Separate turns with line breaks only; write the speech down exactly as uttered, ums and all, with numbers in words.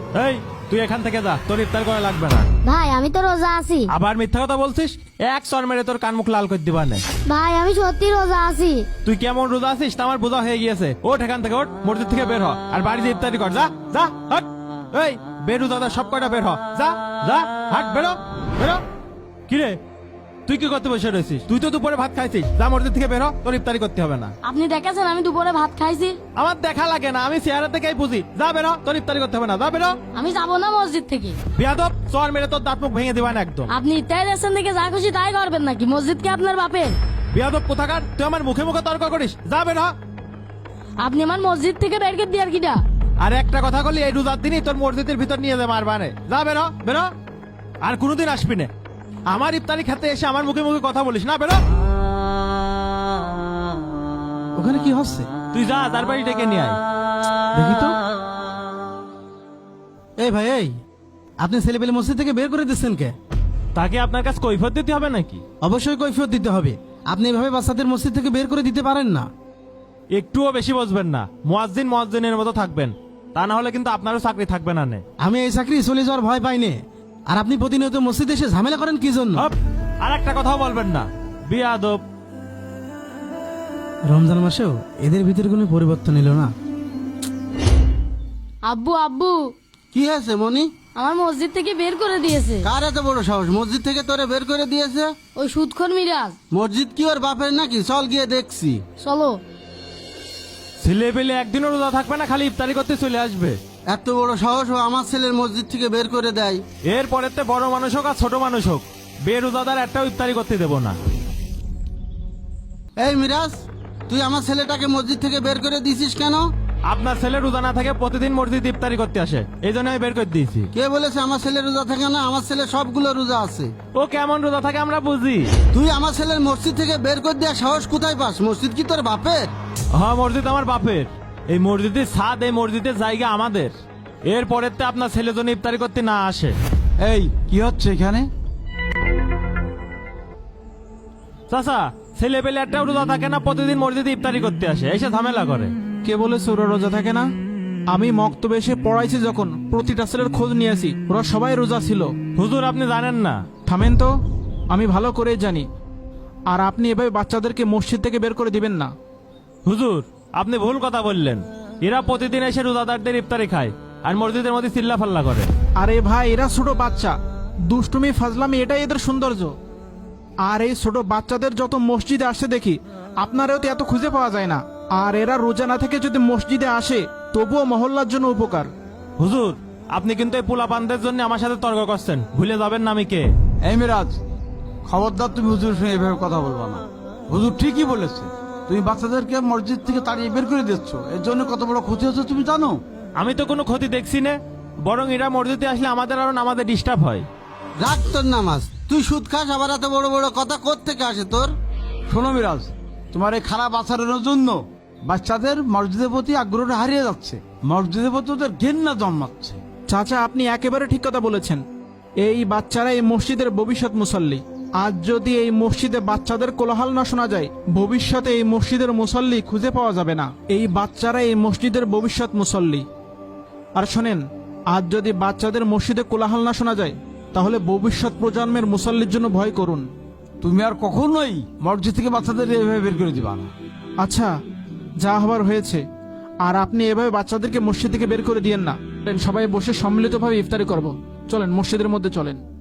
এই তুই এখান থেকে যা, তোর ইফতার করা লাগবে না।
ভাই আমি তো রোজা আছি।
আবার মিথ্যা কথা বলছিস, এক সর মেরে তোর কান মুখ লাল করে দিবা না।
ভাই আমি সত্যি রোজা আছি।
তুই কেমন রোজা আছিস তা আমার বোঝা হয়ে গিয়েছে। ওঠ এখান থেকে, ওঠ, মসজিদ থেকে বের হ, আর বাড়িতে ইফতারি কর। যা যা হট। এই বেরু দাদা সব কয়টা বের হ, যা যা হাট, বেরো বেরো। কিরে তুই কি করতে বসে রয়েছিস? তুই তো দুপুরে ভাত খাইছিস, যা মসজিদ থেকে বের হ, তোর ইফতারি করতে হবে না।
আপনি দেখেছেন আমি দুপুরে ভাত খাইছি?
আমার দেখা লাগে না, আমি চেহারা থেকেই বুঝি। যা বেরো, তোর ইফতারি করতে হবে না, যা বেরো।
আমি যাবো না মসজিদ থেকে।
বিয়াদব, চর মেরে তোর দাঁত মুখ ভেঙে দিবা না একদম।
আপনি ইফতারি রেস্টুরেন্ট থেকে যা খুশি তাই করবেন নাকি? মসজিদ কি আপনার বাপের?
বিয়াদব কোথাকার, তুই আমার মুখে মুখে তর্ক করিস, যা বেরো।
আপনি আমার মসজিদ থেকে বের করে দিয়ে আর কিটা?
আর একটা কথা বলি, এই রোজার দিনই তোর মসজিদের ভিতর নিয়ে যাবে মারবানে। যা বেরো বেরো, আর কোনোদিন আসবি না আমার ইফতারি খেতে এসে আমার মুখে মুখে কথা বলিস না, বেরো।
ওখানে কি হচ্ছে
তুই যা, তার বাড়ি ডেকে নিয়ে আয়।
দেখি তো। এই ভাই, এই আপনি ছেলেপেলে মসজিদ থেকে বের করে দিচ্ছেন কে?
তাকে আপনার কাছে কৈফিয়ত দিতে হবে নাকি?
অবশ্যই কৈফিয়ত দিতে হবে। আপনি এভাবে বাচ্চাদের মসজিদ থেকে বের করে দিতে পারেন না।
একটুও বেশি বসবেন না, মুয়াজ্জিন মুয়াজ্জিনের মতো থাকবেন, তা না হলে কিন্তু আপনারও চাকরি থাকবে না। নে
আমি এই চাকরি চলে যাওয়ার ভয় পাইনি। আর আপনি প্রতিনিয়ত মসজিদে এসে ঝামেলা করেন কি জন্য?
হপ, আর একটা কথাও বলবেন না, বিয়াদব।
রমজান মাসেও এদের ভিতরে কোনো পরিবর্তন এলো না।
আব্বু আব্বু
কি হয়েছে মনি?
আমার মসজিদ থেকে বের করে দিয়েছে।
কার এত বড় সাহস মসজিদ থেকে তোরে বের করে দিয়েছে?
ওই সুদখোর মিরাজ।
মসজিদ কি ওর বাপের নাকি? চল গিয়ে দেখছি।
চলো।
ছেলে পেলে একদিনও রোজা থাকবে না, খালি ইফতারি করতে চলে আসবে।
এত বড় সাহস ও আমার ছেলের মসজিদ থেকে বের করে দেয়?
এর পরেতে বড় মানুষ হোক আর ছোট মানুষ হোক, বেরোজাদার একটাও ইফতারি করতে দেবো না।
এই মিরাজ, তুই আমার ছেলেটাকে মসজিদ থেকে বের করে দিছিস কেন?
আপনার ছেলে রোজা না থাকে প্রতিদিন মসজিদ ইফতারি করতে আসে, এই জন্য আমি বের করে দিয়েছি।
কে বলেছে আমার ছেলে রোজা থাকে না? আমার ছেলে সবগুলো রোজা আছে।
ও কেমন রোজা থাকে আমরা বুঝি।
তুই আমার ছেলের মসজিদ থেকে বের করে দেওয়ার সাহস কোথায় পাস? মসজিদ কি তোর বাপের?
হ্যাঁ, মসজিদ আমার বাপের। এই মসজিদের ছাদ, এই মসজিদের জায়গা আমাদের। এর পরেতে আপনার ছেলে জন্য ইফতারি করতে না আসে।
এই কি হচ্ছে এখানে?
চাচা, ছেলে পেলে একটাও রোজা থাকে না, প্রতিদিন মসজিদে ইফতারি করতে আসে, এসে ঝামেলা করে।
কে বলেছে ওরা রোজা থাকে না? আমি মক্তবে এসে পড়াইছি, যখন প্রতিটা ছেলের খোঁজ নিয়েছি, ওরা সবাই রোজা ছিল।
হুজুর আপনি জানেন না।
থামেন তো, আমি ভালো করেই জানি। আর আপনি এভাবে বাচ্চাদেরকে মসজিদ থেকে বের করে দিবেন না।
হুজুর আপনি ভুল কথা বললেন, এরা প্রতিদিন এসে রোজাদারদের ইফতারি খায় আর মসজিদের মধ্যে চিল্লা ফাল্লা করে।
আরে ভাই, এরা ছোট বাচ্চা, দুষ্টুমি ফাজলামি এটাই এদের সৌন্দর্য। আর এই ছোট বাচ্চাদের যত মসজিদে আসে দেখি, আপনারাও তো এত খুঁজে পাওয়া যায় না। আর এরা রোজা না থেকে যদি মসজিদে আসে, তবুও মহল্লার জন্য উপকার।
হুজুর আপনি কিন্তু এই পোলাপানদের জন্য আমার সাথে তর্ক করছেন, ভুলে যাবেন না আমি কে।
এই মিরাজ, খবরদার তুমি হুজুর সঙ্গে এভাবে কথা বলবা না। হুজুর ঠিকই বলেছে, তুমি বাচ্চাদেরকে মসজিদ থেকে তাড়িয়ে বের করে দিচ্ছ, এর জন্য কত বড় ক্ষতি হচ্ছে তুমি জানো?
আমি তো কোনো ক্ষতি দেখছি না, বরং এরা মসজিদে আসলে আমাদের আরো নামাজে ডিস্টার্ব হয়।
রাখ তোর নামাজ। তুই সুদ খাস, আবার এত বড় বড় কথা কোত্থেকে আসে তোর?
শোনো মিরাজ, তোমার এই খারাপ আচরণের জন্য বাচ্চাদের মসজিদের প্রতি আগ্রহটা হারিয়ে যাচ্ছে, মসজিদের প্রতি ওদের ঘেন্না জন্মাচ্ছে।
চাচা, আপনি একেবারে ঠিক কথা বলেছেন। এই বাচ্চারা এই মসজিদের ভবিষ্যৎ মুসল্লি। আজ যদি এই মসজিদে বাচ্চাদের কোলাহল না শোনা যায়, ভবিষ্যতে এই মসজিদের মুসল্লি খুঁজে পাওয়া যাবে না। এই বাচ্চারা এই মসজিদের ভবিষ্যৎ মুসল্লি। আর শোনেন, আজ যদি বাচ্চাদের মসজিদে কোলাহল না শোনা যায়, তাহলে ভবিষ্যৎ প্রজন্মের মুসল্লির জন্য ভয় করুন।
তুমি আর কখনোই মসজিদ থেকে বাচ্চাদের এভাবে বের করে দিবা না।
আচ্ছা, যা হবার হয়েছে। আর আপনি এভাবে বাচ্চাদেরকে মসজিদ থেকে বের করে দিয়েন না। সবাই বসে সম্মিলিতভাবে ইফতারি করব। চলেন, মসজিদের মধ্যে চলেন।